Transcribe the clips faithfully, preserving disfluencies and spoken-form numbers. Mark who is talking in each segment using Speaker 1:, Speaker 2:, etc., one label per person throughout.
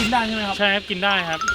Speaker 1: กินได้ใช่ไหมครับ
Speaker 2: ใช่ครับกินได้ครับ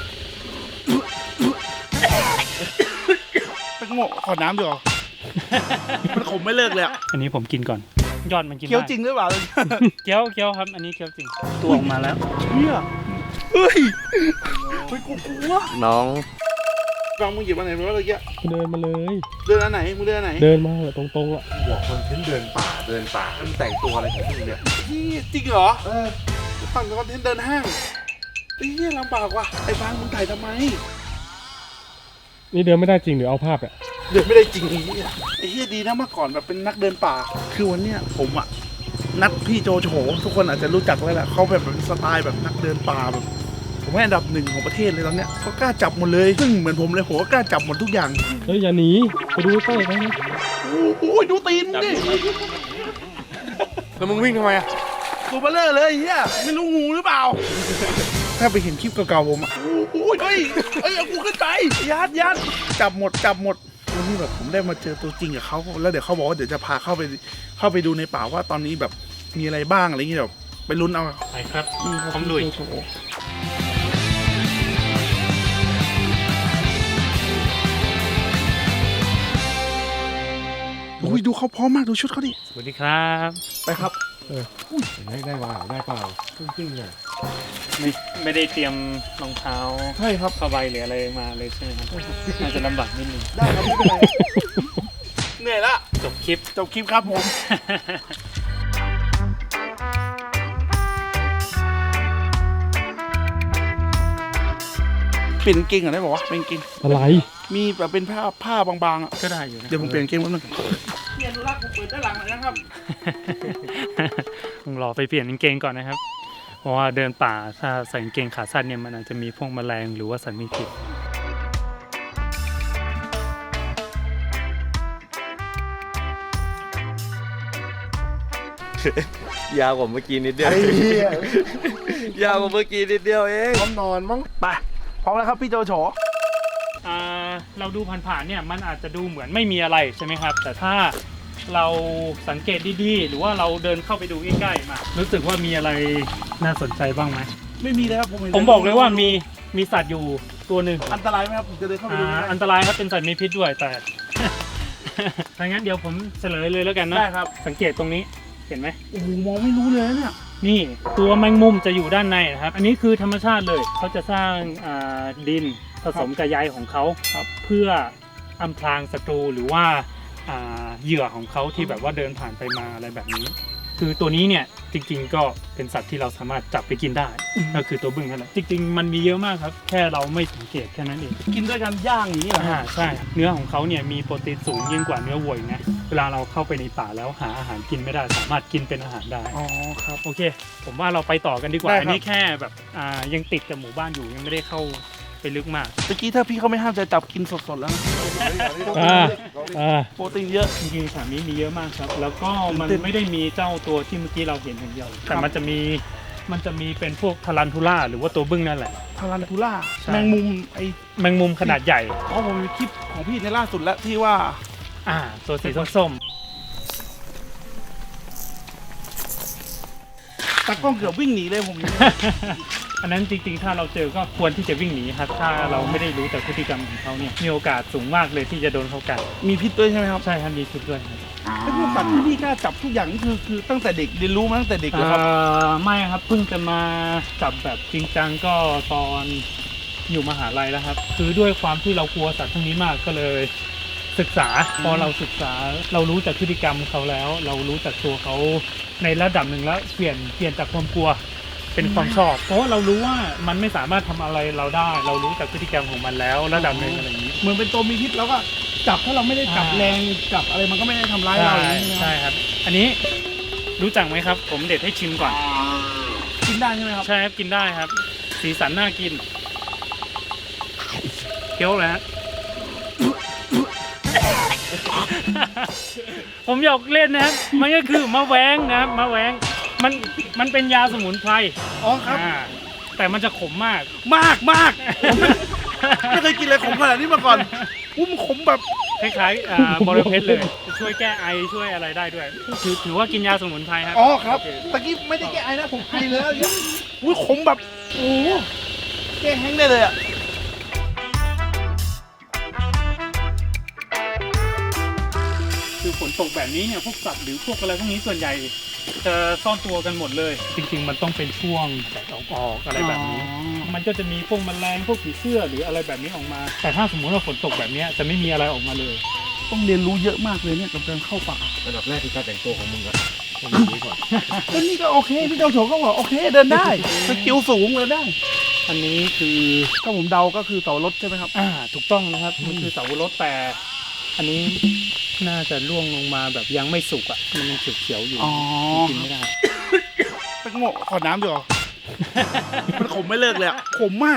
Speaker 1: เป็นโง่ขอน้ำดีกว่ามันขมไม่เลิกเลยอ่ะ
Speaker 2: อันนี้ผมกินก่อนยอดมันกินได้
Speaker 1: เคี้ยวจริงหรือเปล่า
Speaker 2: เคี้ยวเคี้ยวครับอันนี้เคี้ยวจริงตัวออกมาแล้ว
Speaker 1: เฮียเฮ้ยเฮ้ยกูกลัว
Speaker 3: น้อง
Speaker 1: ฟังมึงหยิบมาไหนมาเมื่อกี้
Speaker 4: เดินมาเลย
Speaker 1: เดินอันไหนมึงเดินอันไหน
Speaker 4: เดินมาตรงๆอ่ะ
Speaker 3: บอกคนทิ้งเดินป่าเดินป่ามันแต่งตัวอะไรของมึงเนี่ย
Speaker 1: พี่จริงเหรอเออฝั่งคอนเทนต์เดินห้างไอ้เหี้ยลำบากว่ะไอ้ฟังมึงถ่ายทำไม
Speaker 4: นี่เดินไม่ได้จริงหรือเอาภาพอ่ะ
Speaker 1: เดินไม่ได้จริงไอ้เหี้ยไอ้เหี้ยดีนะเมื่อก่อนแบบเป็นนักเดินป่าคือวันเนี้ยผมอ่ะนัดพี่โจโฉทุกคนอาจจะรู้จักแล้วแหละเขาแบบเป็นสไตล์แบบนักเดินป่าแบบผมให้อันดับหนึ่งของประเทศเลยตอนเนี้ยเขากล้าจับหมดเลยซึ่งเหมือนผมเลยผมก็กล้าจับหมดทุกอย่าง
Speaker 4: เฮ้ยอย่าหนีไปดูใกล้ๆไปนะ
Speaker 1: โอ้ยดูตีนดิ
Speaker 3: แล้วมึงวิ่งทำไมอ่ะ
Speaker 1: ตัวเบลเลอร์เลยเฮียไม่รู้งูหรือเปล่า ถ้าไปเห็นคลิปเก่าๆผมอ่ะโอ้ยเฮ้ยเฮ้ยเอากูขึ้นไปยัดยัดจับหมดจับหมดวันนี้แบบผมได้มาเจอตัวจริงกับเขาแล้วเดี๋ยวเขาบอกว่าเดี๋ยวจะพาเข้าไปเข้าไปดูในป่าว่าตอนนี้แบบมีอะไรบ้างอะไรอย่างเงี้ยแบบไปลุ้นเอา
Speaker 2: ไปครับ
Speaker 1: นี่ครับ
Speaker 2: พร้อมลุย
Speaker 1: โโหโอ้ยดูเขาพร้อมมากดูชุดเขาดิ
Speaker 2: สวัสดีครับ
Speaker 1: ไปครับ
Speaker 4: ได้ได้ว่าได้เปล่าตึ้งๆเนี่ย
Speaker 2: ไม่ไม่ได้เตรียมรองเท้า
Speaker 1: ใช่ครับ
Speaker 2: ผ้าใบหรืออะไรมาเลยใช่ไหมครับน่าจะลำบากนิดนึง
Speaker 1: ได้ครับไม่เป็นไรเหนื่อยละ
Speaker 2: จบคลิป
Speaker 1: จบคลิปครับผม เปลี่ยนกางเกงก่อนได้บอกว่าเป็นกางเกง
Speaker 4: อะไร
Speaker 1: มีแบบเป็นผ้าผ้าบางๆอ่ะ
Speaker 2: ก็ได้อยู่นะ
Speaker 1: เดี๋ยวผมเปลี่ยนกางเกงแป๊บนึงเปลี่ยนดูรักผมเปิดด้านหลังหน่อยนะครับ
Speaker 2: ต้องรอไปเปลี่ยนกางเกงก่อนนะครับ เพราะว่าเดินป่าถ้าใส่กางเกงขาสั้นเนี่ยมันอาจจะมีพวกแมลงหรือว่าสัตว์มีพิษ
Speaker 3: ยาวกว่าเมื่อกี้นิดเดียว
Speaker 1: ไอ้เหี้ย
Speaker 3: ยาวกว่าเมื่อกี้นิดเดียวเอง
Speaker 1: พร้อมนอนมั้งไปพร้อมแล้วครับพี่โจโฉ
Speaker 2: อ่าเราดูผ่านๆเนี่ยมันอาจจะดูเหมือนไม่มีอะไรใช่ไหมครับ แต่ถ้าเราสังเกตดีๆหรือว่าเราเดินเข้าไปดูใกล้ๆมารู้สึกว่ามีอะไรน่าสนใจบ้างไหม
Speaker 1: ไม่มีเลยครับผมเห็น
Speaker 2: ผมบอกเลยว่ามีมีสัตว์อยู่ตัวหนึ่ง
Speaker 1: อันตรายไหมครับผมจะเดินเข้าไปดู
Speaker 2: อ่า
Speaker 1: ไหม
Speaker 2: อันตรายครับเป็นสัตว์มีพิษด้วยแต่ ถ้างั้นเดี๋ยวผมเฉลยเลยแล้วกันนะ
Speaker 1: ได้ครับ
Speaker 2: สังเกตตรงนี้เห็นไหม
Speaker 1: โอ้โหมองไม่รู้เลยนะเนี่ย
Speaker 2: นี่ตัวแมงมุมจะอยู่ด้านในนะครับ อันนี้คือธรรมชาติเลยเขาจะสร้างอ่าดินผสมกับใยของเขาครับเพื่ออำพรางศัตรูหรือว่าอ่าเหยื่อของเขาที่แบบว่าเดินผ่านไปมาอะไรแบบนี้ คือตัวนี้เนี่ยจริงๆก็เป็นสัตว์ที่เราสามารถจับไปกินได้ก็คือตัวบึ้งนั่นแหละจริงๆมันมีเยอะมากครับแค่เราไม่สังเกตแค่นั้นเอง
Speaker 1: กินด้วยกันย่างอย่างนี้เหรอ
Speaker 2: อ่าใช่เนื้อของเขาเนี่ยมีโปรตีนสูงยิ่งกว่าเนื้อวัวอีกนะเวลาเราเข้าไปในป่าแล้วหาอาหารกินไม่ได้สามารถกินเป็นอาหารได้
Speaker 1: อ๋อครับ
Speaker 2: โอเค ผมว่าเราไปต่อกันดีกว่า
Speaker 1: ได้ครับ
Speaker 2: อันนี้แค่แบบอ่ายังติดกับหมู่บ้านอยู่ยังไม่ได้เข้าไปลึกมาก
Speaker 1: เมื่อกี้ถ้าพี่เขาไม่ห้ามจะจับกินสดๆแล้วนะ
Speaker 4: อ่าอ่า
Speaker 1: โปรตีนเยอะ
Speaker 2: จริงๆสามนี้มีเยอะมากครับ แล้วก็มัน
Speaker 1: ตื่นเต้น
Speaker 2: ไม่ได้มีเจ้าตัวที่เมื่อกี้เราเห็นอย่างเดียว
Speaker 1: ครั
Speaker 2: แต่
Speaker 1: บ
Speaker 2: มันจะมีมันจะมีเป็นพวกทารันทูล่าหรือว่าตัวบึ้งนั่นแหละ
Speaker 1: ทารันทูล่า
Speaker 2: ใช่
Speaker 1: แมงมุมไอ
Speaker 2: แมงมุมขนาดใหญ่
Speaker 1: อ๋อผมมีคลิปของพี่ในล่าสุดแล้วที่ว่า
Speaker 2: อ่าตัวสีส้ม
Speaker 1: ตากล้องเกือบวิ่งหนีเลยผม
Speaker 2: ๆ อันนั้นจริงๆ ถ้าเราเจอก็ควรที่จะวิ่งหนีครับ ถ้าเราไม่ได้รู้แต่พฤติกรรมของเขาเนี่ยมีโอกาสสูงมากเลยที่จะโดนเขากัด
Speaker 1: มีพิษด้วยใช่ไหมครับ
Speaker 2: ใช่ครับมีพิษด้วยครับ
Speaker 1: ไอ้พวกสัตว์ที่พี่กล้าจับทุกอย่างนี่คือคือตั้งแต่เด็กเรียนรู้มาตั้งแต่เด็กเลยครับ
Speaker 2: เอ่อไม่ครับเพิ่งจะมาจับแบบจริงจังก็ตอนอยู่มหาลัยแล้วครับ คือด้วยความที่เรากลัวสัตว์ทั้งนี้มากก็เลยศึกษาพอเราศึกษาเรารู้จากพฤติกรรมเขาแล้ว เรารู้จากตัวเขาในระดับหนึ่งแล้วเปลี่ยนเปลี่ยนจากความกลัวเป็นความชอบ เพราะว่าเรารู้ว่ามันไม่สามารถทำอะไรเราได้ เรารู้จากพฤติกรรมของมันแล้วระดับหนึ่งอะไรอย่างนี้
Speaker 1: เหมือนเป็นตัวมีพิษแล้วก็จับถ้าเราไม่ได้จับ
Speaker 2: อ่า
Speaker 1: แรงจับอะไรมันก็ไม่ได้ทำร้าย
Speaker 2: ใช่
Speaker 1: เราอย่างนี้ใช่ไหม
Speaker 2: ใช่ครับ อันนี้รู้จักไหมครับ ผมเด็ดให้ชิมก่อน
Speaker 1: กินได้ใช่ไหมครับ
Speaker 2: ใช่ครับกินได้ครับ สีสันน่ากินเคี้ยวเลยฮะ ผมอยากเล่นนะครับ มันก็คือมะแวงนะครับมะแวงมันมันเป็นยาสมุนไพร
Speaker 1: อ๋อครับ
Speaker 2: อ่าแต่มันจะขมมาก
Speaker 1: มากมากผมไม่ไม่เคยกินอะไรขมขนาดนี้มาก่อนอุ้มนขมแบบ
Speaker 2: คล้ายๆอ่าบริเพชรเลยช่วยแก้ไอช่วยอะไรได้ด้วย ถือถือว่ากินยาสมุนไพรครับ
Speaker 1: อ๋อครับ
Speaker 2: โอเค
Speaker 1: ตะกี้ไม่ได้แก้ไอนะผมไอเลยแล้วเนี่ยอุ้ยขมแบบโอ้โหแก้แห้งได้เลยอ่ะ
Speaker 2: คือฝนตกแบบนี้เนี่ยพวกสัตว์หรือพวกอะไรพวกนี้ส่วนใหญ่จะซ่อนตัวกันหมดเลย จริงๆมันต้องเป็นช่วงแดดออกๆอะไรแบบนี้ มันก็จะมีพวกแมลงพวกผีเสื้อหรืออะไรแบบนี้ออกมา แต่ถ้าสมมติว่าฝนตกแบบนี้จะไม่มีอะไรออกมาเลย
Speaker 1: ต้องเรียนรู้เยอะมากเลยเนี่ยกับการเข้าป่า
Speaker 3: อันดับแรกคือการแต่งตัวของมึงอะต้องอย่างนี้ก่อน
Speaker 1: ก็นี่ก็โอเคพี่เจ้าโฉก็บอกโอเคเดินได้สกิลสูงเลยได้
Speaker 2: อันนี้คือ
Speaker 1: ถ้าผมเดาก็คือเสารถใช่ไหมครับ
Speaker 2: อ่าถูกต้องนะครับมันคือเสาวรถแต่อันนี้น่าจะร่วงลงมาแบบยังไม่สุกอ่ะมันยังเขียวๆอยู่
Speaker 1: อ๋อ
Speaker 2: กินไม่ได้
Speaker 1: ไปโง่ขอน้ำดีกว่า มันขมไม่เลิกเลยอะขมมาก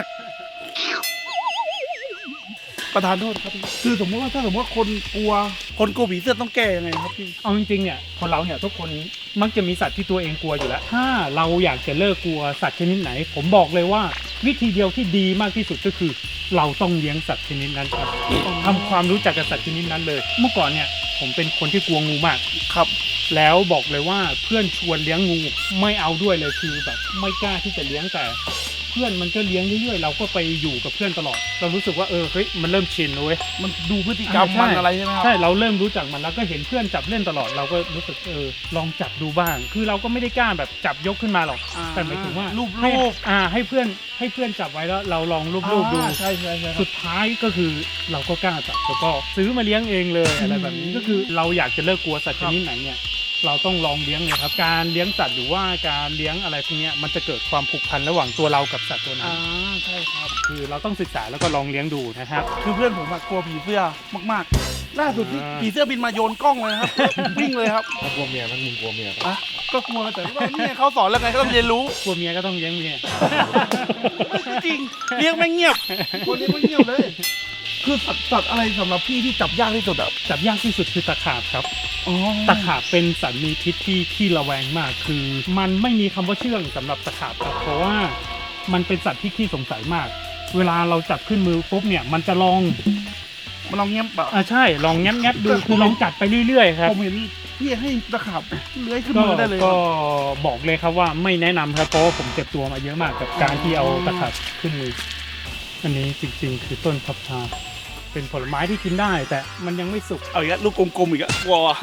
Speaker 1: ประธานโทษครับพี่คือสมมติว่าถ้าสมมติว่าคนกลัว คนกลัวผีเสื้อต้องแก้ยังไงครับพี่
Speaker 2: เอาจริงๆเนี่ยคนเราเนี่ยทุกคนมักจะมีสัตว์ที่ตัวเองกลัวอยู่แล้ว ถ้าเราอยากจะเลิกกลัวสัตว์ชนิดไหน ผมบอกเลยว่าวิธีเดียวที่ดีมากที่สุดก็คือ เราต้องเลี้ยงสัตว์ชนิดนั้นครับทำความรู้จักกับสัตว์ชนิดนั้นเลย เมื่อก่อนเนี่ยผมเป็นคนที่กลัวงูมาก
Speaker 1: ครับ
Speaker 2: แล้วบอกเลยว่าเพื่อนชวนเลี้ยงงูไม่เอาด้วยเลยคือแบบไม่กล้าที่จะเลี้ยงแต่ เพื่อนมันก็เลี้ยงเรื่อยๆเราก็ไปอยู่กับเพื่อนตลอด เรารู้สึกว่าเออเฮ้ยมันเริ่มชินเลยเว้ย
Speaker 1: มันดูพฤติกรรม
Speaker 2: อ่าใช่
Speaker 1: มันอะไรใช่ไหมครับ
Speaker 2: ใช่เราเริ่มรู้จักมันแล้วก็เห็นเพื่อนจับเล่นตลอดเราก็รู้สึกเออลองจับดูบ้าง คือเราก็ไม่ได้กล้าแบบจับยกขึ้นมาหรอก
Speaker 1: อ่า
Speaker 2: แต่หมายถึงว่า
Speaker 1: รูป
Speaker 2: ให้
Speaker 1: รูป
Speaker 2: อ่าให้เพื่อนให้เพื่อนจับไว้แล้วเราลองรูปๆดู
Speaker 1: อ่าใช่ใช่ใช่
Speaker 2: สุดท้ายก็คือเราก็กล้าจับแล้วก็ซื้อมาเลี้ยงเองเลยอะไรแบบนี้
Speaker 1: อืม
Speaker 2: ก็คือเราอยากจะเลิกกลัวสัตว์ชนิดไหนเนี่ยเราต้องลองเลี้ยงเลยครับการเลี้ยงสัตว์หรือว่าการเลี้ยงอะไรพวกเนี้ยมันจะเกิดความผูกพันระหว่างตัวเรากับสัตว์ตัวนั้
Speaker 1: อ่าน ใช่ครับ
Speaker 2: คือเราต้องศึกษาแล้วก็ลองเลี้ยงดูนะครับ
Speaker 1: คือเพื่อนผมอะกลัวผีเสื้อมากๆ ล่าสุดที่
Speaker 2: อ่า
Speaker 1: ผีเสื้อบินมาโยนกล้องเลยนะครับ วิ่งเลยครับ
Speaker 3: ถ้ากลัวเมียมั้งมึงกลัวเมียปะ
Speaker 1: อ่ะก็กลัวแต่ว่านี่เขาสอนแล้วไงก็ต้องเรียนรู้
Speaker 2: กลัวเมียก็ต้องเลี้ยงเมีย
Speaker 1: จริงเลี้ยงไม่เงียบ คนเลี้ยงไม่เงียบเลย คือสัตว์สัตว์อะไรสำหรับพี่ที่จับยากที่สุดอ่ะ
Speaker 2: จับยากที่สุดคือตะขาบครับ
Speaker 1: อ๋อ
Speaker 2: ตะขาบเป็นสัตว์มีพิษที่ที่ระแวงมาก คือ มันไม่มีคำว่าเชื่องสำหรับตะขาบครับ เพราะว่ามันเป็นสัตว์ที่ขี้สงสัยมาก เวลาเราจับขึ้นมือปุ๊บเนี่ยมันจะลอง
Speaker 1: มันลองเงียบเปล่า
Speaker 2: อ่าใช่ลองแงบๆดูคือลองกัดไปเรื่อยๆครับ
Speaker 1: ผมเห็นพี่ให้ตะขาบเลื้อยขึ้น
Speaker 2: ก็
Speaker 1: มือได้เลย
Speaker 2: ก็บอกเลยครับว่าไม่แนะนำครับเพราะว่าผมเจ็บตัวมาเยอะมากกับการที่เอาตะขาบขึ้นมือ อันนี้จริงๆ คือต้นพับชา เป็นผลไม้ที่กินได้ แต่มันยังไม่สุก
Speaker 1: เอาอีกแล้วลูกกลมๆอีกแล้ววอ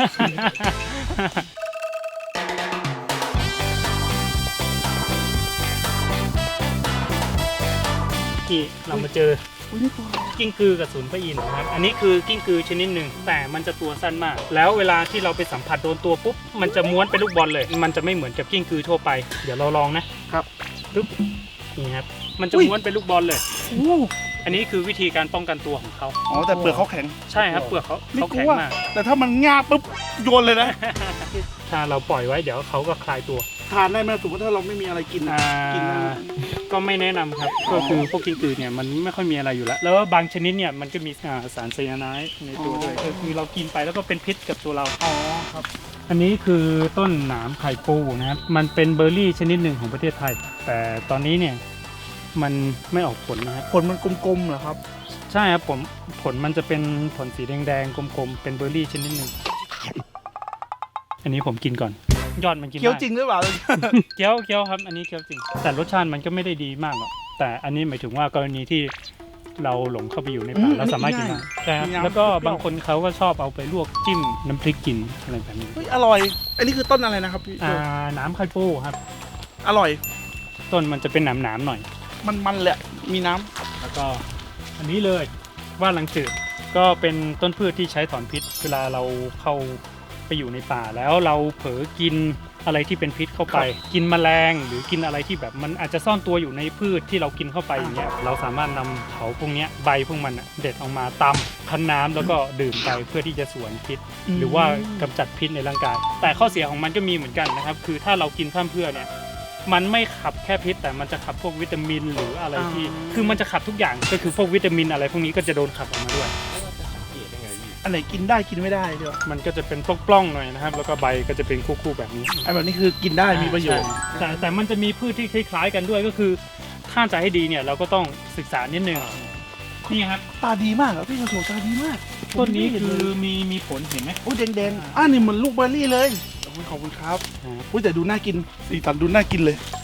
Speaker 2: ที่เรามาเจอ
Speaker 1: อุ๊ยนี่ตัวอะไร
Speaker 2: กิ้งกือกับศูนย์พระอินทร์นะครับ อันนี้คือกิ้งกือชนิดหนึ่งแต่มันจะตัวสั้นมาก แล้วเวลาที่เราไปสัมผัสโดนตัวปุ๊บ มันจะม้วนเป็นลูกบอลเลย มันจะไม่เหมือนกับกิ้งกือทั่วไป เดี๋ยวเราลองนะครับ ปึ๊บนี่ครับ มันจะม้วนเป็นลูกบอลเลย
Speaker 1: โอ้
Speaker 2: อันนี้คือวิธีการป้องกันตัวของเขา
Speaker 1: อ๋อแต่เปลือกเขาแข็ง
Speaker 2: ใช่ครับ เปลือกเขา
Speaker 1: ไม่
Speaker 2: เขา
Speaker 1: ก
Speaker 2: แข็
Speaker 1: ลั
Speaker 2: ง
Speaker 1: ว
Speaker 2: มาก
Speaker 1: แต่ถ้ามันงาบปุ๊บโยนเลยนะ
Speaker 2: ถ้าเราปล่อยไว้เดี๋ยวเขาก็คลายตัว
Speaker 1: ทานได้ไหมสมมติถ้าเราไม่มีอะไรกินอะ
Speaker 2: อ่า
Speaker 1: กินได้ไหม
Speaker 2: ก็ไม่แนะนำครับ ก็คือพวกกิ้งกือเนี่ยมันไม่ค่อยมีอะไรอยู่แล้ว แล้วบางชนิดเนี่ยมันก็มีอ่าสารไซยาไนด์ในตัวด้วยก็คือเรากินไปแล้วก็เป็นพิษกับตัวเรา
Speaker 1: อ๋อครับ
Speaker 2: อันนี้คือต้นหนามไข่ปูนะครับ มันเป็นเบอร์รี่ชนิดหนึ่งของประเทศไทย แต่ตอนนี้เนี่ยมันไม่ออกผลนะครับ
Speaker 1: ผลมันกลมๆเหรอครับ
Speaker 2: ใช่ครับผมผลมันจะเป็นผลสีแดงๆกลมๆเป็นเบอร์รี่ชนิดหนึ่งอันนี้ผมกินก่อน ยอดมันกินได้
Speaker 1: เคี้ยวจริงหรือเปล่า
Speaker 2: เคี้ยวเคี้ยวครับ อันนี้เคี้ยวจริง แต่รสชาติมันก็ไม่ได้ดีมากหรอกแต่อันนี้หมายถึงว่ากรณีที่เราหลงเข้าไปอยู่ในป่า
Speaker 1: อืม
Speaker 2: เราสามารถกินได้ใช่ครับ
Speaker 1: มีน้ำ
Speaker 2: แล้วก็
Speaker 1: เปรี้ยว
Speaker 2: บางคนเขาก็ชอบเอาไปลวกจิ้มน้ำพริกกินอะไรแบบนี้
Speaker 1: เฮ้ยอร่อย อันนี้คือต้นอะไรนะครับพี่
Speaker 2: อ่าน้ำไข่ปูครับ
Speaker 1: อร่อย
Speaker 2: ต้นมันจะเป็นหนามๆหน่อย
Speaker 1: มันๆแหละ มีน้ำ
Speaker 2: แล้วก็อันนี้เลยว่านลังจืดก็เป็นต้นพืชที่ใช้ถอนพิษ เวลาเราเข้าไปอยู่ในป่าแล้วเราเผลอกินอะไรที่เป็นพิษเข้าไป กินแมลงหรือกินอะไรที่แบบมันอาจจะซ่อนตัวอยู่ในพืชที่เรากินเข้าไปอย่างเงี้ยเราสามารถนำเขาพวกเนี้ยใบพวกมันอะเด็ดออกมาตำคั้นน้ำแล้วก็ดื่มไปเพื่อที่จะสวนพิษ หรือว่ากำจัดพิษในร่างกาย แต่ข้อเสียของมันก็มีเหมือนกันนะครับ คือถ้าเรากินพร่ำเพรื่อเนี่ยมันไม่ขับแค่พิษ แต่มันจะขับพวกวิตามินหรืออะไรที่
Speaker 1: อ่า
Speaker 2: คือมันจะขับทุกอย่างก็คือพวกวิตามินอะไรพวกนี้ก็จะโดนขับออกมาด้วย
Speaker 3: เกลียดยังไงพี่
Speaker 1: อันไหนกินได้กินไม่ได้เดี๋ยว
Speaker 2: มันก็จะเป็นปล้องๆหน่อยนะครับ แล้วก็ใบก็จะเป็นคู่ๆแบบนี้
Speaker 1: ไอ้แบบนี้คือกินได้มีประโยชน์
Speaker 2: ใช่แต่แต่มันจะมีพืชที่คล้ายๆกันด้วยก็คือถ้าจะให้ดีเนี่ยเราก็ต้องศึกษานิดนึงนี่ครับ
Speaker 1: ตาดีมากเหรอพี่กระโถตาดีมาก
Speaker 2: ต้นนี้คือมีมีผลเห็นไหม
Speaker 1: โอ้ยแดงๆอ่านี่เหมือนลูกเบอร์รี่เลยโอ้ยขอบคุณครับ
Speaker 2: อ่า
Speaker 1: อุ้ยแต่ดูน่ากินสีสันดูน่ากินเลย จ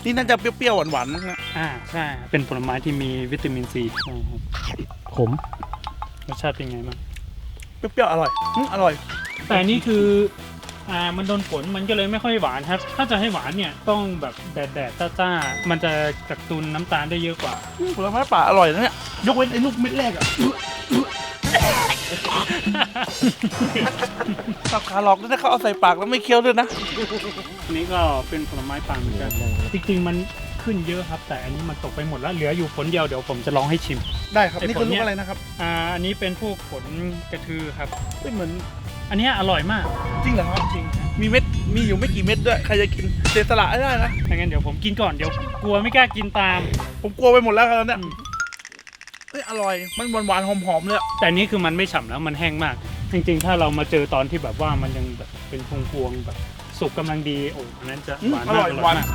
Speaker 1: นี่น่าจะเปรี้ยวๆหวานๆมั้งนะ
Speaker 2: อ่าใช่เป็นผลไม้ที่มีวิตามินซีใช่ครับ
Speaker 4: ขม
Speaker 2: รสชาติเป็นไงบ้าง
Speaker 1: เปรี้ยวๆอร่อยอืมอร่อย
Speaker 2: แต่อันนี่คืออ่ามันโดนฝนมันก็เลยไม่ค่อยหวานครับ ถ้าจะให้หวานเนี่ยต้องแบบแดดแดดๆจ้าๆมันจะกระตุ้นน้ำตาลได้เยอะกว่า
Speaker 1: ผลไม้ป่าอร่อยนะเนี่ยยกเว้นไอ้ลูกเม็ดแรกอะสับขาหลอกด้วยนะเขาเอาใส่ปากแล้วไม่เคี้ยวด้วยนะ
Speaker 2: อันนี้ก็เป็นผลไม้ป่าเหมือนกันจริงๆมันขึ้นเยอะครับ แต่อันนี้มันตกไปหมดแล้วเหลืออยู่ผลเดียวเดี๋ยวผมจะลองให้ชิม
Speaker 1: ได้ครับ
Speaker 2: ไอ้
Speaker 1: นี่
Speaker 2: ผ
Speaker 1: คื
Speaker 2: ล
Speaker 1: อ
Speaker 2: เนี่
Speaker 1: ลูก
Speaker 2: ย
Speaker 1: อะไรนะครับ
Speaker 2: อ่าอันนี้เป็นพวกผลกระทือครับ
Speaker 1: ไม่เหมือน
Speaker 2: อันเนี้ยอร่อยมาก
Speaker 1: จริงเหรอครับ
Speaker 2: จริง
Speaker 1: มีเม็ดมีอยู่ไม่กี่เม็ดด้วยใครจะกินเสียสละไม่ได้นะ
Speaker 2: ถ้างั้นเดี๋ยวผมกินก่อนเดี๋ยวกลัวไม่กล้ากินตาม
Speaker 1: ผมกลัวไปหมดแล้วครับเนี่ย
Speaker 2: อืม
Speaker 1: เฮ้ยอร่อยมันหวานๆหอมๆเลยอะ
Speaker 2: แต่อันนี้คือมันไม่ฉ่ำแล้วมันแห้งมาก จริงๆ ถ้าเรามาเจอตอนที่แบบว่ามันยังแบบเป็นพวงๆแบบสุกกำลังดีโอ้อันนั้นจะ
Speaker 1: อืม
Speaker 2: หวาน
Speaker 1: อ
Speaker 2: มาก
Speaker 1: ร่อยหวาน
Speaker 2: มาก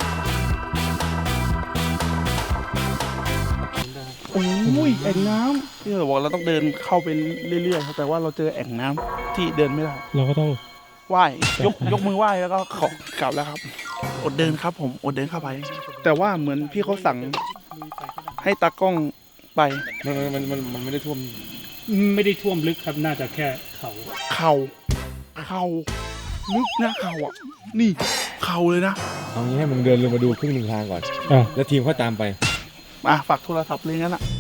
Speaker 1: โอ้ยแอ่งน้ำที่เราบอกเราต้องเดินเข้าไปเรื่อยๆครับแต่ว่าเราเจอแอ่งน้ำที่เดินไม่ได้
Speaker 4: เราก็ต้อง
Speaker 1: ไหว้ยกยกมือไหว้แล้วก็ขอกลับแล้วครับ อดเดินครับผมอดเดินเข้าไป แต่ว่าเหมือนพี่เขาสั่งให้ตากล้องไป
Speaker 3: มันมันมันมันไม่ได้ท่วม
Speaker 2: ไม่ได้ท่วมลึกครับน่าจะแค่เขา
Speaker 1: เข่าเข่าลึกนะเข่าอ่ะนี่เข่าเลยนะ
Speaker 3: เอางี้ให้มึงเดินลงมาดูครึ่งหนึ่งทางก่อน
Speaker 4: อ่ะ
Speaker 3: แล้วทีมเขาตามไป
Speaker 1: อ่ะฝากโทรศัพท์เลยงั้นอ่ะ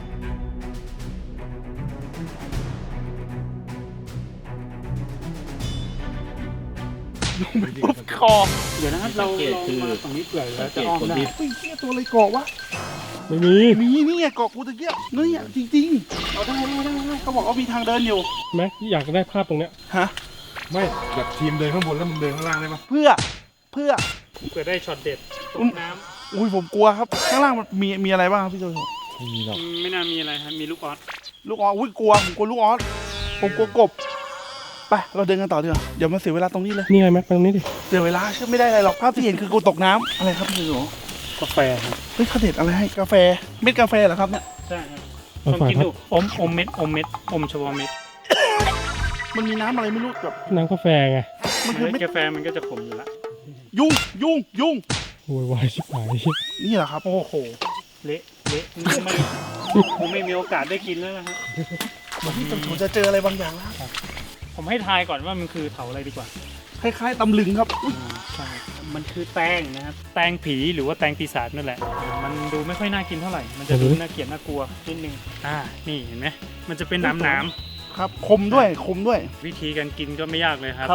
Speaker 1: ลงไปปุ๊บคอ
Speaker 2: เดี๋ยวนะครับเราเรามาฝั่งนี้เปื่อยแล้วจะอ้อมได้
Speaker 1: เฮ้ยเหี้ยตัวอะไรเกาะวะ
Speaker 4: ไม่มี
Speaker 1: มีนี่ไงเกาะกูตะเกียบนี่อ่ะจริงๆเอาได้ได้ได้ได้เขาบอกว่ามีทางเดินอยู่
Speaker 4: แม็กอยากได้ภาพตรงเนี้ย
Speaker 1: ฮะ
Speaker 3: ไม่แบบทีมเดินข้างบนแล้วมึงเดินข้างล่างได้ปะ
Speaker 1: เพื่อเพื่อ
Speaker 2: เผื่อได้ช็อตเด็ดต
Speaker 1: อื
Speaker 2: ก
Speaker 1: ม
Speaker 2: น้
Speaker 1: อุ้ยผมกลัวครับข้างล่างมันมีมีอะไรบ้างครับพี่โจโฉ
Speaker 3: ไม่มีหรอก
Speaker 2: ำไม่น่ามีอะไรครับมีลูกออส
Speaker 1: ลูกออสอุ้ยกลัวผมกลัวลูกออสผมกลัวกบไปเราเดินกันต่อดีกว่าเดี๋ยวมาเสียเวลาตรงนี้เลย
Speaker 4: นี่ไงแม็กไปตรงนี้ดิ
Speaker 1: เสียเวลาเชื่อไม่ได้อะไรหรอกภาพที่เห็นคือกูตกน้ำอะไรครับพี่โจโฉ
Speaker 2: กาแฟครับ
Speaker 1: เฮ้ยเขาเด็ดอะไรให้กาแฟเม็ดกาแฟเหรอครับเนี่ย
Speaker 2: ใช่ครับ
Speaker 4: เอา
Speaker 2: ลอง
Speaker 4: ฝาก
Speaker 2: กิน
Speaker 4: ครับ
Speaker 2: ดูอมอมเม็ดอมเม็ดอมเฉพาะเม็ด
Speaker 1: มันมีน้ำอะไรไม่รู้แบบ
Speaker 4: น้ำกาแฟไง
Speaker 1: มันคือ
Speaker 2: เม็
Speaker 1: เม็
Speaker 2: ด
Speaker 1: ด
Speaker 2: กาแฟมันก็จะขมอยู่ละ
Speaker 1: ยุ่งยุ่งยุ่ง
Speaker 4: โวยวายชิบหาย
Speaker 1: นี่เหรอครับ
Speaker 2: โอ้โหเละเละไม่ผมไม่มีโอกาสได้กินแล้วนะฮะ
Speaker 1: พี่โจโฉจะเจออะไรบางอย่างแล้ว
Speaker 2: ผมให้ทายก่อนว่ามันคือเถาอะไรดีกว่า
Speaker 1: คล้ายๆตำลึงครับอุ๊ย
Speaker 2: ใช่มันคือแตงนะครับ แตงผีหรือว่าแตงปีศาจนั่นแหละ มันดูไม่ค่อยน่ากินเท่าไหร่ มันจะดูน่าเกลียดน่ากลัวนิดนึง อ่า นี่เห็นไหม มันจะเป็นหน้ำหนาม
Speaker 1: ครับคมด้วยคมด้วย
Speaker 2: วิธีการกินก็ไม่ยากเลยครับ
Speaker 1: ครับ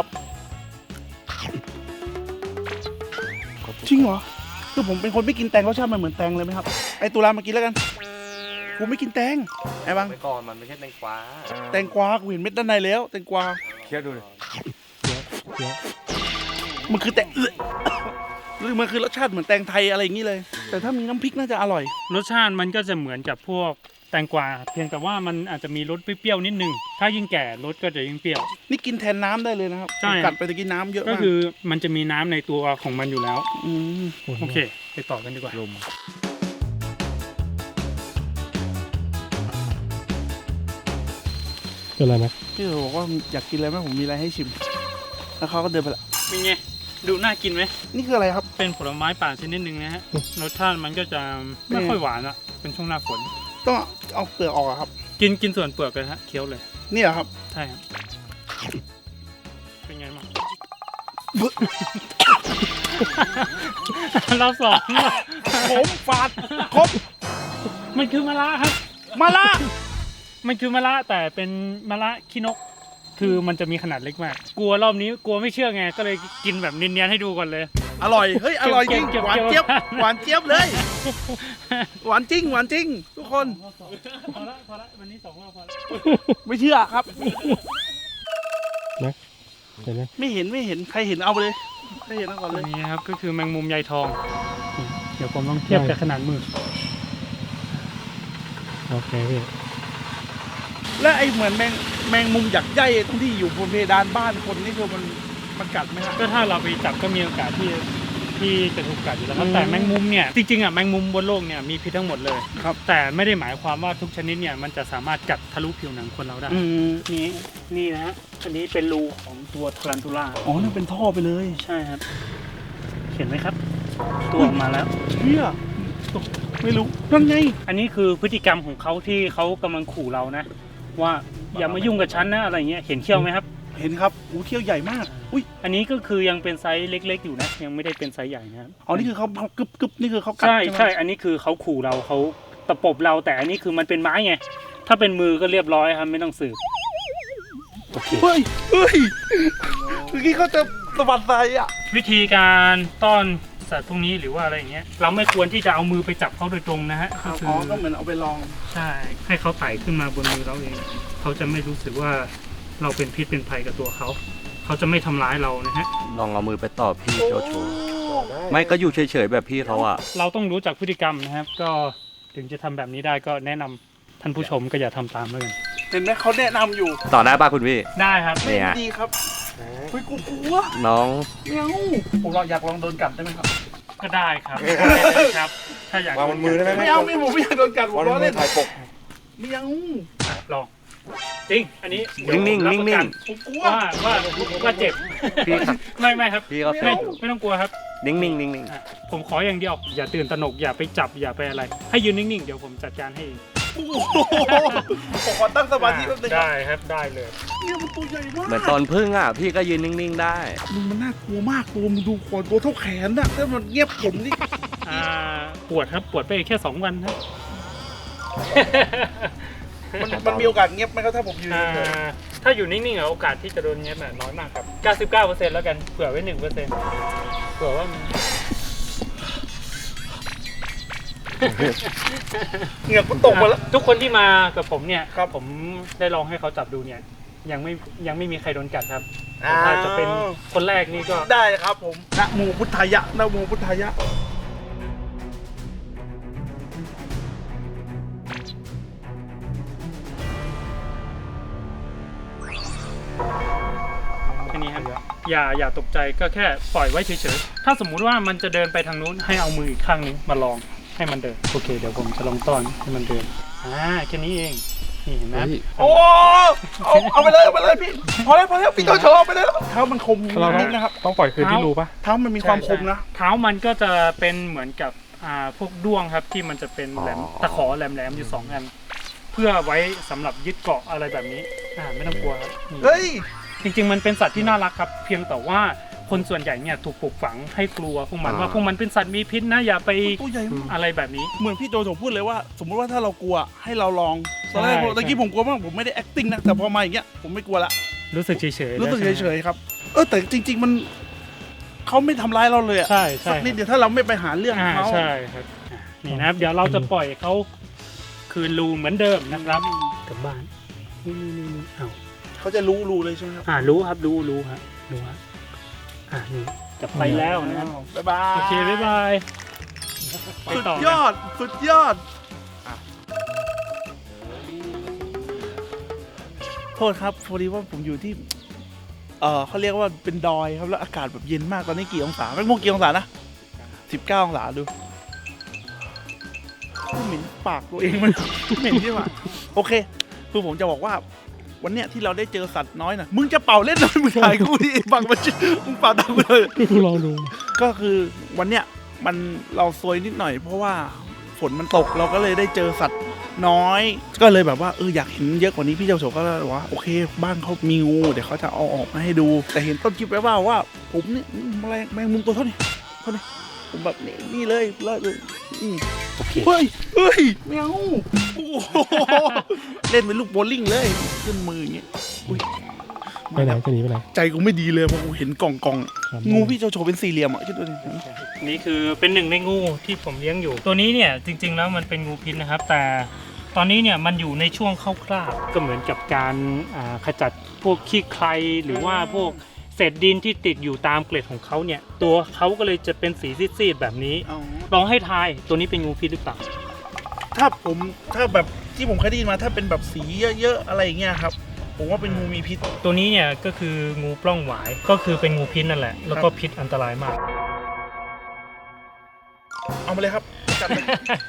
Speaker 1: จริงเหรอคือผมเป็นคนไม่กินแตงรสชาติมันเหมือนแตงเลยไหมครับไอตุลามากินแล้วกันกูไม่กินแตงไอ้บัง
Speaker 3: ไปก่อนมันไม่ใช่แตงกวา
Speaker 1: แตงกวากูเห็นเม็ดด้านในแล้วแตงกวา
Speaker 3: เคี้ยวดูดิ
Speaker 1: มันคือแตง หรือมันคือรสชาติเหมือนแตงไทยอะไรอย่างนี้เลย แต่ถ้ามีน้ำพริกน่าจะอร่อย
Speaker 2: รสชาติมันก็จะเหมือนกับพวกแตงกวา เพียงแต่ว่ามันอาจจะมีรสเปรี้ยวๆนิดนึง ถ้ายิ่งแก่รสก็จะยิ่งเปรี้ยว
Speaker 1: นี่กินแทนน้ำได้เลยนะครับ
Speaker 2: ใช่
Speaker 1: ผมกัดไปตะกี้น้ำเยอะ
Speaker 2: ก็
Speaker 1: มาก
Speaker 2: คือมันจะมีน้ำในตัวของมันอยู่แล้ว
Speaker 1: ม
Speaker 2: โอเค ไปต่อกันดีกว่า
Speaker 3: ลม
Speaker 4: เป็นไรแม็ก
Speaker 1: พี่โจบอกว่าอยากกินอะไรไหมผมมีอะไรให้ชิม แล้วเขาก็เดินไปละ
Speaker 2: เป็นไง ดูน่ากินไหม
Speaker 1: นี่คืออะไรครับ
Speaker 2: เป็นผลไม้ป่าชนิดหนึ่งนะฮะ รสชาติมันก็จะไม่ค่อยหวานอะเป็นช่วงหน้าฝน
Speaker 1: ต้องเอาเปลือกออกอะครับ
Speaker 2: กินกินส่วนเปลือกเลยฮะ เคี้ยวเลย
Speaker 1: นี่เหรอครับ
Speaker 2: ใช่ครับ เป็นไงบ้าง เราสอง
Speaker 1: ผมฝาดครบ
Speaker 2: มันคือมะระครับ
Speaker 1: มาละ
Speaker 2: มันคือมะระแต่เป็นมะระขี้นก คือมันจะมีขนาดเล็กมาก กลัวรอบนี้กลัวไม่เชื่อไง ก็เลยกินแบบเนียนๆให้ดูก่อนเลย
Speaker 1: อร่อย เฮ้ย อร่อยจริง
Speaker 2: เก็บ
Speaker 1: หวาน
Speaker 2: เก็บ
Speaker 1: เจี๊ยบ
Speaker 2: เก็บ
Speaker 1: หวานเจี๊ยบเลย หวานจริง หวานจริง ทุกคน
Speaker 2: พอละพอละวันนี้สองรอบพอละ
Speaker 1: ไม่เชื่อครับ
Speaker 4: แม็กเห็นไหม
Speaker 1: ไม่เห็นไม่เห็น ใครเห็นเอาไปเลย ใครเห็นเอาก่อน
Speaker 2: ตั
Speaker 1: เล
Speaker 2: วย นี้นะครับก็คือแมงมุมใยทองนี่เดี๋ยวผมลองเทียบกับขนาดมือ
Speaker 4: โอเคพี่
Speaker 1: และไอเหมือนแมงแมงมุมหยักใยตรงที่อยู่บนเพดานบ้านคนนี่คือมันมันกัดไหมครับ
Speaker 2: ก็ถ้าเราไปจับก็มีโอกาสที่ที่จะถูกกัดอยู่แล้วครับ
Speaker 1: อืม
Speaker 2: แต่แมงมุมเนี่ยจริงๆอ่ะแมงมุมบนโลกเนี่ยมีพิษทั้งหมดเลย
Speaker 1: ครับ
Speaker 2: แต่ไม่ได้หมายความว่าทุกชนิดเนี่ยมันจะสามารถกัดทะลุผิวหนังคนเราได้
Speaker 1: อืม
Speaker 2: นี่นี่นะฮะอันนี้เป็นรูของตัวทารันทูล่า
Speaker 1: อ๋อนั่นเป็นท่อไปเลย
Speaker 2: ใช่ครับ เห็นไหมครับตัวออกมาแล้ว
Speaker 1: เฮียไม่รู้นั่นไง
Speaker 2: อันนี้คือพฤติกรรมของเขาที่เขากำลังขู่เรานะ ว่าอย่ามายุ่งกับฉันนะอะไรเงี้ยเห็นเขี้ยวไหมครับ
Speaker 1: เห็นครับอู้เขี้ยวใหญ่มากอุ้ย
Speaker 2: อันนี้ก็คือยังเป็นไซส์เล็กๆอยู่นะยังไม่ได้เป็นไซส์ใหญ่นะครับ
Speaker 1: อ๋อนี่คือเขาเขากึบกึบนี่คือเขากัด
Speaker 2: ใช่
Speaker 1: ไหม
Speaker 2: ใช่อันนี้คือเขาขู่เราเขาตะปบเราแต่อันนี้คือมันเป็นไม้ไงถ้าเป็นมือก็เรียบร้อยครับไม่ต้องสืบโอเค
Speaker 1: เฮ้ยเฮ้ยเมื่อกี้เขาจะสะบัดใส่อ่ะ
Speaker 2: วิธีการต้อนสัตว์พวกนี้หรือว่าอะไรอย่างเงี้ยเราไม่ควรที่จะเอามือไปจับเขาโดยตรงนะฮะก็คื
Speaker 1: อ๋อ
Speaker 2: อ
Speaker 1: ก็เหมือนเอาไปลอง
Speaker 2: ใช่ให้เขาไต่ขึ้นมาบนมือเราเองเขาจะไม่รู้สึกว่าเราเป็นพิษเป็นภัยกับตัวเขาเขาจะไม่ทำร้ายเรานะฮะ
Speaker 5: ลองเอามือไปต่อพี่โจโฉไม่ก็อยู่เฉยๆแบบพี่เขาอะ
Speaker 2: เราต้องรู้จักพฤติกรรมนะครับ ก็ถึงจะทำแบบนี้ได้ก็แนะนำท่านผู้ชมก็อย่าทำตามแล้วกัน
Speaker 1: เห็นไหมเขาแนะนำอยู่
Speaker 5: ต่อได้ป่ะคุณพี่
Speaker 2: ได้ครับ
Speaker 5: เนี่ย
Speaker 1: ดีครับเฮ้ยกูกลัว
Speaker 5: น้อง
Speaker 1: เมียวผมลองอยากลองโดนกัดได้ไหมครับ
Speaker 2: ก็ได้ครับได้เลยครับ ถ้าอยาก
Speaker 3: วางบนมือได้ไหม
Speaker 1: ไม่เอาไม่ผมไม่อยากโดนกัดผม
Speaker 3: วางบ
Speaker 1: ล้อน
Speaker 3: มื
Speaker 1: เล่
Speaker 3: อน ถ่ายปก
Speaker 1: เมียว
Speaker 2: ลองจริง อันนี้
Speaker 5: นิ่งๆ
Speaker 2: เดี๋ยวผมรับประกั
Speaker 5: นิ่ง
Speaker 1: ผมกลัว
Speaker 2: ว่าว่าว่าเจ็บ
Speaker 5: พี่ครับ
Speaker 2: ไม่ไม่ครับ
Speaker 5: พี่เขา
Speaker 2: ไม่ไม่ต้องกลัวครับ
Speaker 5: นิ่งๆนิ่ง
Speaker 2: อ่ะผมขออย่างเดียว อย่าตื่นตระหนกอย่าไปจับอย่าไปอะไร ให้ยืนนิ่งๆ เดี๋ยวผมจัดการให้เอง
Speaker 1: โอ้โหผมขอตั้งสมาธิแป๊บนึงครับ
Speaker 2: ได้ครับได้เลย
Speaker 1: เนี่ยมันตัวใหญ่มาก
Speaker 5: ๆเหมือนตอนพึ่งอะพี่ก็ยืนนิ่งๆได้
Speaker 1: มึงมันน่ากลัวมากตัวมึงดูขนตัวเท่าแขนน่ะถ้ามันเงียบผมนี่
Speaker 2: อ่าปวดครับปวดไปแค่สองวันครับ
Speaker 1: มันมันมีโอกาสเงียบไหมครับถ้าผมยืน
Speaker 2: อ่า
Speaker 1: เฉย
Speaker 2: ถ้าอยู่นิ่งๆอะโอกาสที่จะโดนเงี้ยน่ะน้อยมากครับ เก้าสิบเก้าเปอร์เซ็นต์ แล้วกันเผื่อไว้หนึ่งเปอร์เซ็นต์เผื่อว่ามัน
Speaker 1: ๆเหงือกมันตกมาแล้ว
Speaker 2: ทุกคนที่มากับผมเนี่ย
Speaker 1: ครับ
Speaker 2: ผมได้ลองให้เขาจับดูเนี่ย ยังไม่ยังไม่มีใครโดนกัดครับ
Speaker 1: อ้าว
Speaker 2: ถ้าจะเป็นคนแรกนี่ก็
Speaker 1: ได้ครับผมนะโมพุทธายะนะโมพุทธายะ
Speaker 2: แค่นี้ครับอย่าอย่าตกใจก็แค่ปล่อยไว้เฉยๆถ้าสมมุติว่ามันจะเดินไปทางนู้นให้เอามืออีกข้างนึงมาลองให้มันเดินโอเคเดี๋ยวผมจะลองต้อนให้มันเดินอ่าแค่นี้เองนี่เห็นไหม
Speaker 1: โอ้เอาเอาไปเลยเอาไปเลยพี่พอแล้วพอแล้วพี่โจโฉเอาไปเลยเท้ามันคม
Speaker 4: เราต้
Speaker 1: นิ
Speaker 4: อง
Speaker 1: ดนะครับ
Speaker 4: ต้องปล่อยคืนที่รูปะ
Speaker 1: เท้ามันมีความคมนะ
Speaker 2: เท้ามันก็จะเป็นเหมือนกับอ่าพวกด้วงครับที่มันจะเป็นแหลม
Speaker 5: อ๋อ
Speaker 2: ตะขอแหลมๆอยู่สองอัน เพื่อไว้สำหรับยึดเกาะอะไรแบบนี้อ่าไม่ต้องกลัวครับนี่
Speaker 1: เฮ้ย
Speaker 2: จริงๆมันเป็นสัตว์ที่น่ารักครับ เพียงแต่ว่าคนส่วนใหญ่เนี่ยถูกปลูกฝังให้กลัวพวกมันว่าพวกมันเป็นสัตว์มีพิษนะอย่าไป
Speaker 1: ตัวใหญ่มาก
Speaker 2: อะไรแบบนี้
Speaker 1: เหมือนพี่โจโฉพูดเลยว่า สมมติว่าถ้าเรากลัวให้เราลองตอนแรก
Speaker 2: ใช่
Speaker 1: ผมตะกี้ผมกลัวมากผมไม่ได้ acting นะแต่พอมาอย่างเงี้ยผมไม่กลัวละ
Speaker 2: รู้สึกเฉยๆ
Speaker 1: รู้สึก
Speaker 2: แล้วใช่
Speaker 1: เฉ
Speaker 2: ไหม
Speaker 1: ยๆครับ เออแต่จริง ๆ มันเขาไม่ทำร้ายเราเลยอะ
Speaker 2: ใช่ใช่
Speaker 1: สักนิดเดียวถ้าเราไม่ไปหาเรื่อง
Speaker 2: อ่า
Speaker 1: เขา
Speaker 2: ใช่ครับอ่ะนี่นะครับ เดี๋ยวเราจะปล่อยเขาคืนรูเหมือนเดิมนะครับกลับบ้านนี่นี่นี่นี่เอา
Speaker 1: เขาจะรู้รู้เลยใช่ไหมครับ
Speaker 2: อ่ารู้ครับรู้รู้ครับรู้ครับอ่านี่จะไปแล้วนะครับ
Speaker 1: บ๊ายบาย
Speaker 2: โอเคบ๊ายบายไป
Speaker 1: สุด
Speaker 2: ต่นะ
Speaker 1: ยอดสุดยอดโทษครับพอดีว่าผมอยู่ที่ เออเขาเรียกว่าเป็นดอยครับแล้วอากาศแบบเย็นมากตอนนี้กี่องศาไม่โมงกี่องศานะสิบเก้าองศาดูเหม็นปากตัวเองมัน เหม็นใช่ไหมโอเค คือผมจะบอกว่า วันเนี้ยที่เราได้เจอสัตว์น้อยนะมึงจะเป่าเล่นหน่อยมึงถ่ายกูดิบังมันมึงเป่าตามกูเลย
Speaker 4: ลองดู
Speaker 1: ก็คือวันเนี้ยมันเราซวยนิดหน่อย เพราะว่าฝนมันตกเราก็เลยได้เจอสัตว์น้อย ก็เลยแบบว่าเอออยากเห็นเยอะกว่านี้พี่เจ้าโฉก็เลยบอกว่าโอเคบ้านเขามีงูเดี๋ยวเขาจะเอาออกมาให้ดู แต่เห็นต้นคลิปไว้ว่าว่า ผมเนี่ยแมลงแมงมุมตัวเท่านี้เท่านี้ผมแบบนี่นี่เลยเลยเลยนี่
Speaker 2: โอเค
Speaker 1: เฮ้ยเฮ้ยแมวโอ้โหเล่นเป็นลูกโบว์ลิ่งเลยขึ้นมืออย่างเงี้ยอุ้ย
Speaker 4: ไปไหนจะหนีไปไหน
Speaker 1: ใจกูไม่ดีเลยเพราะกูเห็นกล่องกล่องๆ
Speaker 4: ครับ
Speaker 1: งูพี่เจ้าโฉเป็นสี่เหลี่ยมอ่ะคิดดูดิ
Speaker 2: นี่คือเป็นหนึ่งในงูที่ผมเลี้ยงอยู่ ตัวนี้เนี่ยจริงๆแล้วมันเป็นงูพิษนะครับ แต่ตอนนี้เนี่ยมันอยู่ในช่วงเข้าคราบก็เหมือนกับการอ่าขจัดพวกขี้ใครหรือว่าพวกเศษดินที่ติดอยู่ตามเกล็ดของเขาเนี่ยตัวเขาก็เลยจะเป็นสีซีดๆแบบนี้
Speaker 1: อ๋อ
Speaker 2: ลองให้ทายตัวนี้เป็นงูพิษหรือเปล่า
Speaker 1: ถ้าผมถ้าแบบที่ผมเคยได้ยินมาถ้าเป็นแบบสีเยอะๆอะไรอย่างเงี้ยครับ ผมว่าเป็นงูมีพิษ
Speaker 2: ตัวนี้เนี่ยก็คืองูปล้องหวายก็คือเป็นงูพิษนั่นแหละแล้วก็พิษอันตรายมาก
Speaker 1: เอามาเลยครับจัดเลย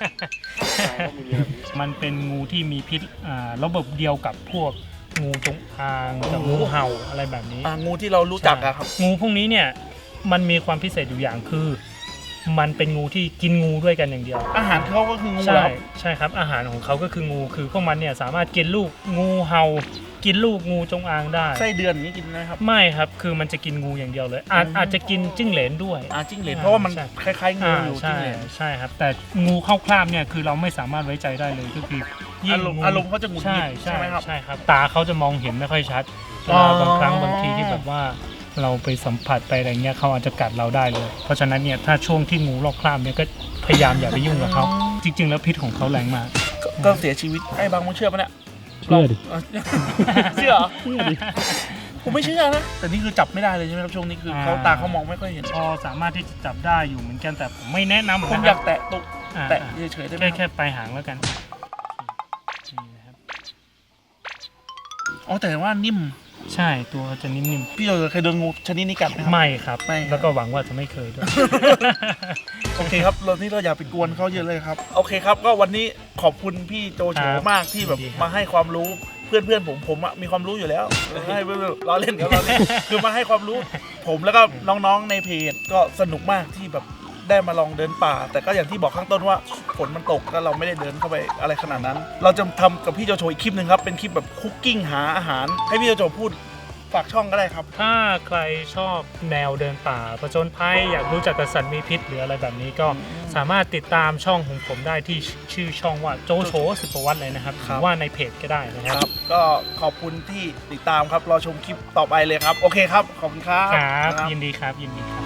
Speaker 2: มันเป็นงูที่มีพิษอ่าระบบเดียวกับพวกงูจงอางกับงูเห่าอะไรแบบนี้
Speaker 1: อ่างูที่เรารู้จักอะครับ
Speaker 2: งูพวกนี้เนี่ยมันมีความพิเศษอยู่อย่างคือมันเป็นงูที่กินงูด้วยกันอย่างเดียว
Speaker 1: อาหารเขาก็คืองู
Speaker 2: ใช่
Speaker 1: แล้ว
Speaker 2: ใช่ครับอาหารของเขาก็คืองูคือพวกมันเนี่ยสามารถกินลูกงูเห่ากินลูกงูจงอางได้
Speaker 1: ไส้เดือนอย่างนี้กินนะครับ
Speaker 2: ไม่ครับคือมันจะกินงูอย่างเดียวเลยอาจ
Speaker 1: อืม
Speaker 2: อาจจะกินจิ้งเหลนด้วย
Speaker 1: อ่าจิ้งเหลนเพราะว่ามัน
Speaker 2: ใช่
Speaker 1: คล้ายๆงู
Speaker 2: อ่า
Speaker 1: อยู่
Speaker 2: ใช่
Speaker 1: จิ้งเหลน
Speaker 2: ใช่ครับแต่งูเข้าคราบเนี่ยคือเราไม่สามารถไว้ใจได้เลยก็คือยิ่
Speaker 1: อาง รมณ์
Speaker 2: งู
Speaker 1: อารมณ์เขาจะหงุดห
Speaker 2: ใช่
Speaker 1: งิด
Speaker 2: ใช่
Speaker 1: ใช่ไหมครับ
Speaker 2: ใช่ครับตาเขาจะมองเห็นไม่ค่อยชัดเว
Speaker 1: อ๋อ
Speaker 2: ลาบางครั้งบางทีที่แบบว่าเราไปสัมผัสไปอะไรเงี้ยเขาอาจจะกัดเราได้เลย เพราะฉะนั้นเนี่ยถ้าช่วงที่งูลอกคราบเนี่ยก็พยายามอย่าไปยุ่งกับเขาจริง ๆ แล้วพิษของเขาแรงมาก
Speaker 1: ก็ก็เสียชีวิตไอ้บางมึงเชื่อปะเนี่ย
Speaker 4: เชื่อดิ
Speaker 1: เชื่อเหรอ
Speaker 4: เชื่อดิ
Speaker 1: ผมไม่เชื่อนะแต่นี่คือจับไม่ได้เลยใช่ไหมครับช่วงนี้คือเขา
Speaker 2: อ่า
Speaker 1: ตาเขามองไม่ค่อยเห็น
Speaker 2: พอสามารถที่จะจับได้อยู่เหมือนกันแต่ผมไม่แนะนำ
Speaker 1: ผม
Speaker 2: นะ
Speaker 1: อ
Speaker 2: ค
Speaker 1: ยา
Speaker 2: รับ
Speaker 1: กแตะตุก
Speaker 2: อ่า
Speaker 1: แตะเฉยๆได้ไหม
Speaker 2: แค่
Speaker 1: ค
Speaker 2: แค่
Speaker 1: รับ
Speaker 2: ปลายหางแล้วกันนี่นะครับ
Speaker 1: อ๋อแต่ว่านิ่ม
Speaker 2: ใช่ตัวจะนิ่ม
Speaker 1: พี่โจเคยโดนงูชนิดนี้กัดไหมค
Speaker 2: ๆ
Speaker 1: รับ
Speaker 2: ไม่ครับ
Speaker 1: ไม่
Speaker 2: แล้วก็หวังว่าจะไม่เคยด้วย
Speaker 1: โอเคครับเราที่เราอย่าไปกวนเขาเยอะเลยครับโอเคครับก็วันนี้ขอบคุณพี่โจโฉ
Speaker 2: ครับ
Speaker 1: มากที่แบบ
Speaker 2: ยินดีครับ
Speaker 1: มาให้ความรู้เพื่อนเพื่อนๆผมผมอะมีความรู้อยู่แล้วให้เพื่อนๆล้อเล่นครับล้อเล่นคือมาให้ความรู้ ผมแล้วก็น้องๆในเพจก็สนุกมากที่แบบได้มาลองเดินป่า แต่ก็อย่างที่บอกข้างต้นว่าฝนมันตกแล้วเราไม่ได้เดินเข้าไปอะไรขนาดนั้น เราจะทำกับพี่โจโฉอีกคลิปหนึ่งครับเป็นคลิปแบบคุกกิ้งหาอาหาร ให้พี่โจโฉพูดฝากช่องก็ได้ครับ
Speaker 2: ถ้าใครชอบแนวเดินป่าผจญภัยอยากรู้จักกับสัตว์มีพิษหรืออะไรแบบนี้ก็สามารถติดตามช่องของผมได้ที่ชื่อช่องว่าโจโฉสุภวัฒน์เลยนะครับห
Speaker 1: ครับ
Speaker 2: รือว่าในเพจก็ได้นะค
Speaker 1: ครับ รับก็ขอบคุณที่ติดตามครับรอชมคลิปต่อไปเลยครับ โอเคครับ ขอบคุณครับ
Speaker 2: ครับยินดีครับยินดีครับ